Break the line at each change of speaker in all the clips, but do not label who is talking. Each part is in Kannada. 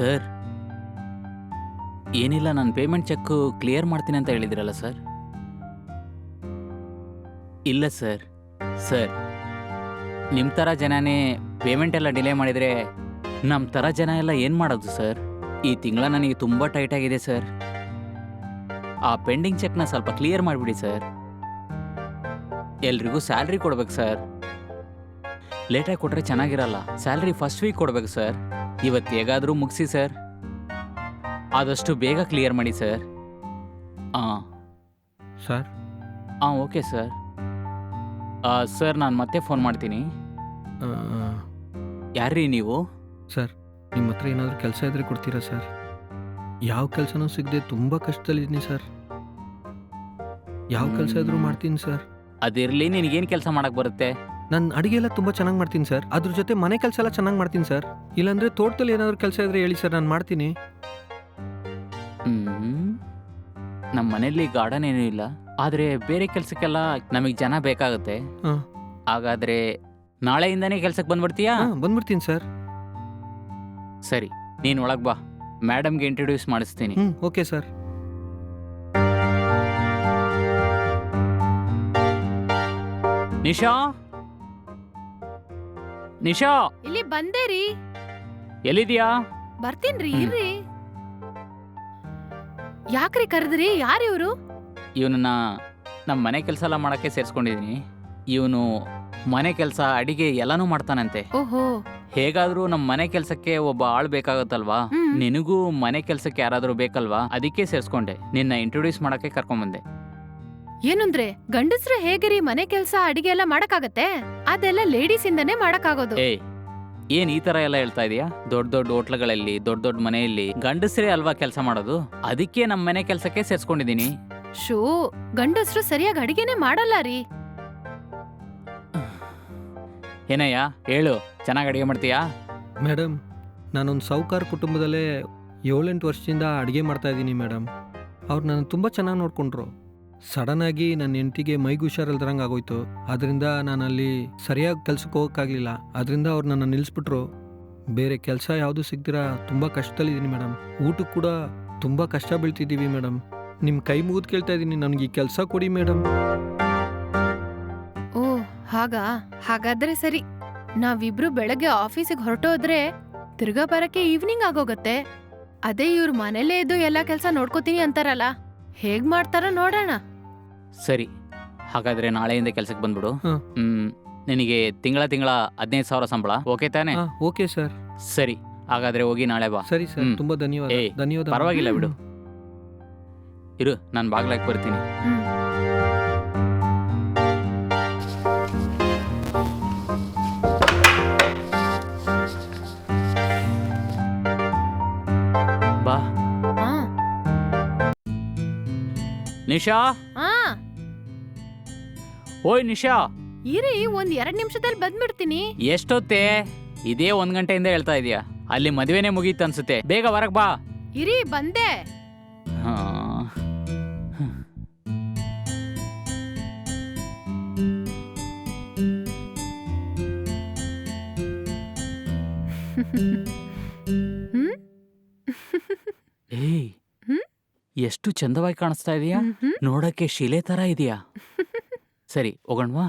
ಸರ್, ಏನಿಲ್ಲ, ನಾನು ಪೇಮೆಂಟ್ ಚೆಕ್ ಕ್ಲಿಯರ್ ಮಾಡ್ತೀನಿ ಅಂತ ಹೇಳಿದ್ರಲ್ಲ ಸರ್. ಇಲ್ಲ ಸರ್. ಸರ್, ನಿಮ್ಮ ಥರ ಜನನೇ ಪೇಮೆಂಟ್ ಎಲ್ಲ ಡಿಲೇ ಮಾಡಿದರೆ ನಮ್ಮ ಥರ ಜನ ಎಲ್ಲ ಏನು ಮಾಡೋದು ಸರ್? ಈ ತಿಂಗಳ ನನಗೆ ತುಂಬ ಟೈಟ್ ಆಗಿದೆ ಸರ್. ಆ ಪೆಂಡಿಂಗ್ ಚೆಕ್ನ ಸ್ವಲ್ಪ ಕ್ಲಿಯರ್ ಮಾಡಿಬಿಡಿ ಸರ್. ಎಲ್ರಿಗೂ ಸ್ಯಾಲ್ರಿ ಕೊಡ್ಬೇಕು ಸರ್. ಲೇಟಾಗಿ ಕೊಟ್ಟರೆ ಚೆನ್ನಾಗಿರಲ್ಲ. ಸ್ಯಾಲ್ರಿ ಫಸ್ಟ್ ವೀಕ್ ಕೊಡ್ಬೇಕು ಸರ್. ಇವತ್ತು ಹೇಗಾದರೂ ಮುಗಿಸಿ ಸರ್. ಆದಷ್ಟು ಬೇಗ ಕ್ಲಿಯರ್ ಮಾಡಿ ಸರ್. ಹಾಂ
ಸರ್.
ಹಾಂ, ಓಕೆ ಸರ್. ಸರ್, ನಾನು ಮತ್ತೆ ಫೋನ್ ಮಾಡ್ತೀನಿ. ಯಾರ್ರೀ ನೀವು?
ಸರ್, ನಿಮ್ಮ ಹತ್ರ ಏನಾದರೂ ಕೆಲಸ ಇದ್ರೆ ಕೊಡ್ತೀರಾ ಸರ್? ಯಾವ ಕೆಲಸನೂ ಸಿಗದೆ ತುಂಬ ಕಷ್ಟದಲ್ಲಿದ್ದೀನಿ ಸರ್. ಯಾವ ಕೆಲಸ ಇದ್ರೂ ಮಾಡ್ತೀನಿ ಸರ್.
ಅದಿರಲಿ, ನಿನಗೇನು ಕೆಲಸ ಮಾಡಕ್ಕೆ ಬರುತ್ತೆ?
ನಾನು ಅಡುಗೆ ಎಲ್ಲ ತುಂಬ ಚೆನ್ನಾಗಿ ಮಾಡ್ತೀನಿ ಸರ್. ಅದ್ರ ಜೊತೆ ಮನೆ ಕೆಲಸ ಎಲ್ಲ ಚೆನ್ನಾಗಿ ಮಾಡ್ತೀನಿ ಸರ್. ಇಲ್ಲಾಂದರೆ ತೋಟದಲ್ಲಿ ಏನಾದರೂ ಕೆಲಸ ಇದ್ರೆ ಹೇಳಿ ಸರ್, ನಾನು ಮಾಡ್ತೀನಿ.
ನಮ್ಮ ಮನೇಲಿ ಗಾರ್ಡನ್ ಏನೂ ಇಲ್ಲ, ಆದರೆ ಬೇರೆ ಕೆಲಸಕ್ಕೆಲ್ಲ ನಮಗೆ ಜನ ಬೇಕಾಗುತ್ತೆ.
ಹಾಂ.
ಹಾಗಾದರೆ ನಾಳೆಯಿಂದನೇ ಕೆಲಸಕ್ಕೆ ಬಂದ್ಬಿಡ್ತೀಯಾ?
ಬಂದ್ಬಿಡ್ತೀನಿ ಸರ್.
ಸರಿ, ನೀನು ಒಳಗೆ ಬಾ. ಮೇಡಮ್ಗೆ ಇಂಟ್ರೊಡ್ಯೂಸ್ ಮಾಡಿಸ್ತೀನಿ.
Okay sir.
ನಿಶಾ, ನಿಶಾ,
ಇಲ್ಲಿ ಬಂದೆ ರೀ.
ಎಲ್ಲಿದ್ಯಾ?
ಬರ್ತೀನ್ರಿ, ಇರ್ರಿ. ಯಾಕ್ರಿ ಕರೆದ್ರಿ? ಯಾರು ಇವರು?
ಇವನನ್ನ ನಮ್ಮ ಮನೆ ಕೆಲಸ ಎಲ್ಲ ಮಾಡೋಕ್ಕೆ ಸೇರಿಸ್ಕೊಂಡಿದ್ದೀನಿ. ಇವನು ಮನೆ ಕೆಲಸ, ಅಡಿಗೆ ಎಲ್ಲನೂ ಮಾಡ್ತಾನಂತೆ.
ಓಹೋ.
ಹೇಗಾದ್ರೂ ನಮ್ಮ ಮನೆ ಕೆಲಸಕ್ಕೆ ಒಬ್ಬ ಆಳು ಬೇಕಾಗುತ್ತಲ್ವಾ? ನಿನಗೂ ಮನೆ ಕೆಲಸಕ್ಕೆ ಯಾರಾದ್ರೂ ಬೇಕಲ್ವಾ? ಅದಕ್ಕೆ ಸೇರಿಸ್ಕೊಂಡೆ. ನಿನ್ನ ಇಂಟ್ರೊಡ್ಯೂಸ್ ಮಾಡಕ್ಕೆ ಕರ್ಕೊಂಡ್ಬಂದೆ.
ಏನಂದ್ರೆ ಗಂಡಸ್ರು ಹೇಗಿರಿ ಮನೆ ಕೆಲ್ಸ ಅಡಿಗೆ ಎಲ್ಲ ಮಾಡಕ್ಕಾಗತ್ತೆ? ಅದೆಲ್ಲ ಲೇಡೀಸ್ ಇಂದನೇ ಮಾಡಕ್ಕಾಗೋದು.
ಏನ್ ಈ ತರ ಎಲ್ಲ ಹೇಳ್ತಾ ಇದೀಯಾ? ದೊಡ್ಡ ದೊಡ್ಡ ಹೋಟ್ಲಗಳಲ್ಲಿ, ದೊಡ್ಡ ದೊಡ್ಡ ಮನೆಯಲ್ಲಿ ಗಂಡಸ್ರೇ ಅಲ್ವಾ ಕೆಲಸ ಮಾಡೋದು? ಅದಕ್ಕೆ ನಮ್ಮ ಮನೆ ಕೆಲಸಕ್ಕೆ ಸೇರ್ಸ್ಕೊಂಡಿದೀನಿ.
ಶೋ, ಗಂಡಸ್ರು ಸರಿಯಾಗಿ ಅಡಿಗೆನೆ ಮಾಡಲ್ಲ ರೀ.
ಏನಯ್ಯ ಹೇಳು, ಚೆನ್ನಾಗಿ ಅಡಿಗೆ ಮಾಡ್ತೀಯಾ?
ಮೇಡಮ್, ನಾನೊಂದು ಸಾಹುಕಾರ ಕುಟುಂಬದಲ್ಲೇ 7-8 ವರ್ಷದಿಂದ ಅಡುಗೆ ಮಾಡ್ತಾ ಇದ್ದೀನಿ ಮೇಡಮ್. ಅವ್ರು ನನ್ನ ತುಂಬ ಚೆನ್ನಾಗಿ ನೋಡಿಕೊಂಡ್ರು. ಸಡನ್ನಾಗಿ ನನ್ನ ಹೆಂಡತಿಗೆ ಮೈಗೆ ಹುಷಾರಿಲ್ದಂಗೆ ಆಗೋಯ್ತು. ಅದರಿಂದ ನಾನು ಅಲ್ಲಿ ಸರಿಯಾಗಿ ಕೆಲ್ಸಕ್ಕೆ ಹೋಗೋಕ್ಕಾಗಲಿಲ್ಲ. ಅದರಿಂದ ಅವ್ರು ನನ್ನ ನಿಲ್ಲಿಸ್ಬಿಟ್ರು. ಬೇರೆ ಕೆಲಸ ಯಾವುದೂ ಸಿಗ್ದಿರಾ ತುಂಬ ಕಷ್ಟದಲ್ಲಿದ್ದೀನಿ ಮೇಡಮ್. ಊಟಕ್ಕೆ ಕೂಡ ತುಂಬ ಕಷ್ಟ ಬೀಳ್ತಿದ್ದೀವಿ ಮೇಡಮ್. ನಿಮ್ಮ ಕೈ ಮುಗಿದು ಕೇಳ್ತಾ ಇದ್ದೀನಿ, ನನಗೆ ಈ ಕೆಲಸ ಕೊಡಿ ಮೇಡಮ್.
ಓ ಹಾಗಾದ್ರೆ ಸರಿ. ನಾವಿಬ್ರು ಬೆಳಗ್ಗೆ ಆಫೀಸಿಗೆ ಹೊರಟೋದ್ರೆ ತಿರ್ಗಾ ಬರಕ್ಕೆ ಈವ್ನಿಂಗ್ ಆಗೋಗತ್ತೆ. ಅದೇ ಇವ್ರ ಮನೇಲೇ ಇದ್ದು ಎಲ್ಲ ಕೆಲಸ ನೋಡ್ಕೋತೀನಿ ಅಂತಾರಲ್ಲ, ಹೇಗ್ ಮಾಡ್ತಾರ ನೋಡೋಣ.
ಸರಿ, ಹಾಗಾದ್ರೆ ನಾಳೆಯಿಂದ ಕೆಲಸಕ್ಕೆ ಬಂದ್ಬಿಡು. ನಿನಗೆ ತಿಂಗಳ 15,000 ಸಂಬಳ ಓಕೆ ತಾನೆ?
Okay sir.
ಸರಿ, ಹಾಗಾದ್ರೆ ಹೋಗಿ ನಾಳೆ ಬಾ.
ಸರಿ ಸರ್, ತುಂಬ ಧನ್ಯವಾದ. ಧನ್ಯವಾದ.
ಪರವಾಗಿಲ್ಲ ಬಿಡು. ಇರು, ನಾನು ಬಾಗ್ಲಾಕ್ ಬರ್ತೀನಿ. ಬಾ. ನಿಶಾ, ಓಯ್ ನಿಶಾ,
ಇರಿ, ಒಂದ್ 2 ನಿಮಿಷದಲ್ಲಿ ಬಂದ್ಬಿಡ್ತೀನಿ.
ಎಷ್ಟೊತ್ತೇ? ಇದೇ 1 ಗಂಟೆಯಿಂದ ಹೇಳ್ತಾ ಇದೀಯಾ. ಅಲ್ಲಿ ಮದುವೆನೇ ಮುಗೀತು ಅನ್ಸುತ್ತೆ. ಬೇಗ ಹೊರಗ್ ಬಾ.
ಇರಿ, ಬಂದೆ.
ಏಯ್, ಎಷ್ಟು ಚಂದವಾಗಿ ಕಾಣಿಸ್ತಾ ಇದೀಯಾ. ನೋಡಕ್ಕೆ ಶಿಲೆ ತರ ಇದೆಯಾ. ಸರಿ, ಹೋಗೋಣವಾ?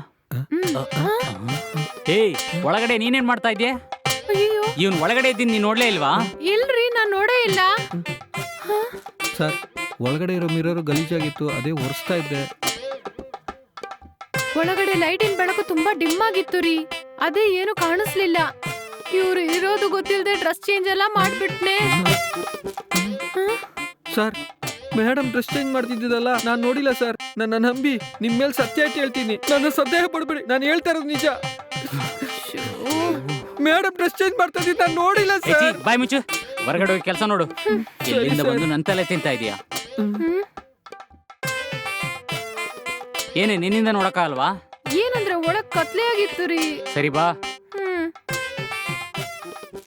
ಏಯ್, ಒಳಗಡೆ ನೀನೇನ್ ಮಾಡ್ತಾ ಇದ್ಯಾ? ಇವನ್ ಒಳಗಡೆ ಇದ್ದೀನಿ, ನೀನ್ ನೋಡ್ಲೇ ಇಲ್ವಾ?
ಇಲ್ರಿ, ನಾನ್ ನೋಡೇ ಇಲ್ಲ.
ಸರ್, ಒಳಗಡೆ ಇರೋ ಮಿರರ್ ಗಲೀಜಾಗಿತ್ತು, ಅದೇ ಒರೆಸ್ತಾ ಇದ್ದೆ.
ಒಳಗಡೆ ಲೈಟಿನ ಬೆಳಕು ತುಂಬಾ ಡಿಮ್ ಆಗಿತ್ತು ರೀ, ಅದೇ ಏನು ಕಾಣಿಸ್ಲಿಲ್ಲ. ಇವ್ರು ಇರೋದು ಗೊತ್ತಿಲ್ಲದೆ ಡ್ರೆಸ್ ಚೇಂಜ್ ಎಲ್ಲ ಮಾಡ್ಬಿಟ್ನೆ.
ಸರ್, ಮೇಡಮ್ ಡ್ರೆಸ್ ಚೇಂಜ್ ಮಾಡ್ತಿದ್ದಲ್ಲ, ನಾನು ನೋಡಿಲ್ಲ ಸರ್. ನನ್ನ ನಂಬಿ ನಿಮ್ಮ ಮೇಲೆ ಸತ್ಯ ಇಟ್ಟು ಹೇಳ್ತೀನಿ, ನನ್ನ ಸಂದೇಹ ಪಡ್ಬೇಡಿ, ನಾನು ಹೇಳ್ತಾ ಇರೋದು ನಿಜ. ಮೇಡಮ್ ಡ್ರೆಸ್ ಚೇಂಜ್ ಮಾಡ್ತಾ ಇದ್ದೀನಿ, ನಾನು ನೋಡಿಲ್ಲ ಸರ್.
ಬಾಯ್ ಮುಚ್ಚು, ಹೊರಗಡೆ ಹೋಗಿ ಕೆಲಸ ನೋಡು. ಎಲ್ಲಿಂದ ಬಂದು ನನ್ನ ತಲೆ ತಿಂತಾ ಇದೀಯಾ? ಏನೇ, ನಿನ್ನಿಂದ ನೋಡಕ್ಕಾಗಲ್ವಾ?
ಏನಂದ್ರೆ ಒಳಗ್ ಕತ್ಲೆ ಆಗಿತ್ತು ರೀ.
ಸರಿ ಬಾ.